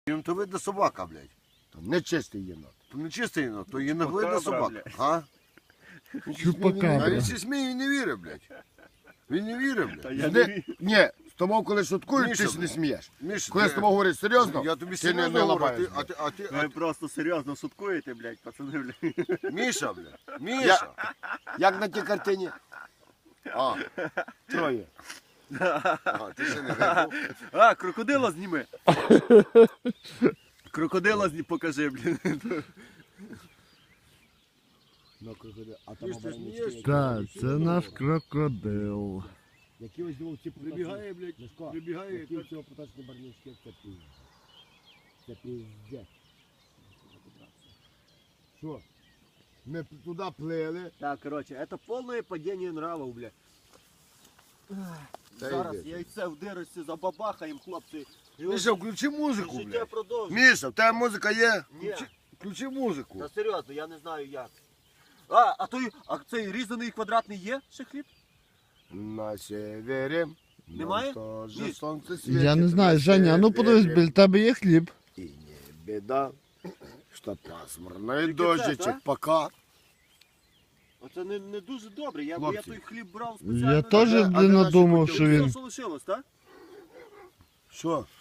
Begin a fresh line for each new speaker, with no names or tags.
Їм то видно собака, блядь.
Там не чистий єнот.
То не чистий єнот, то є не видно
Чупакабра,
собака.
блядь.
А?
Чупакабра.
А він ще сміє і не вірить, блядь. Він не вірить,
Та
блядь.
я не вірю.
Ні, з тобою коли шуткують,
Міша,
ти ж не смієш.
Міша,
Коли з тобою говорять серйозно,
я тобі
ти
серйозно
не
говорю,
лапаєш.
а ти,
Ви просто серйозно шуткуєте, блядь, пацани, блядь.
Міша, блядь, Міша.
Як на тій картині? А, троє.
А, ти ще не грибу.
А, крокодила зніми. Крокодила покажи, блядь.
Ну, крокодил. А
Ти ж ти смієш?
Так, це наш крокодил.
Які ось вовці
Прибігає, блядь, прибігає.
Які ось цього поточні барнички, це пиздець. Це пиздець. Що? Ми туди плили.
Так, короче, это полное падение нравов, блядь.
Та
Зараз
йди.
яйце в дирочці забабахаємо, хлопці. І ось
Міша, включи музику,
життя
блядь.
продовжується.
Міша, в тебе музика є?
Ні.
Включи музику.
Та серйозно, я не знаю як. А цей різаний квадратний є ще хліб?
На севері.
Немає?
Тоже
Ні.
сонце світить.
Я не знаю,
на
Женя, а ну подивись,
севері.
біля тебе є хліб.
И не беда, что пасмурно, и
Тільки це,
дождичек
так?
пока.
Оце не дуже добре, бо я
Хлопці.
той хліб брав спеціально.
Я теж
а де наші
надумав,
кутюрки?
що
Все
він.
що лишилось, так?
Що?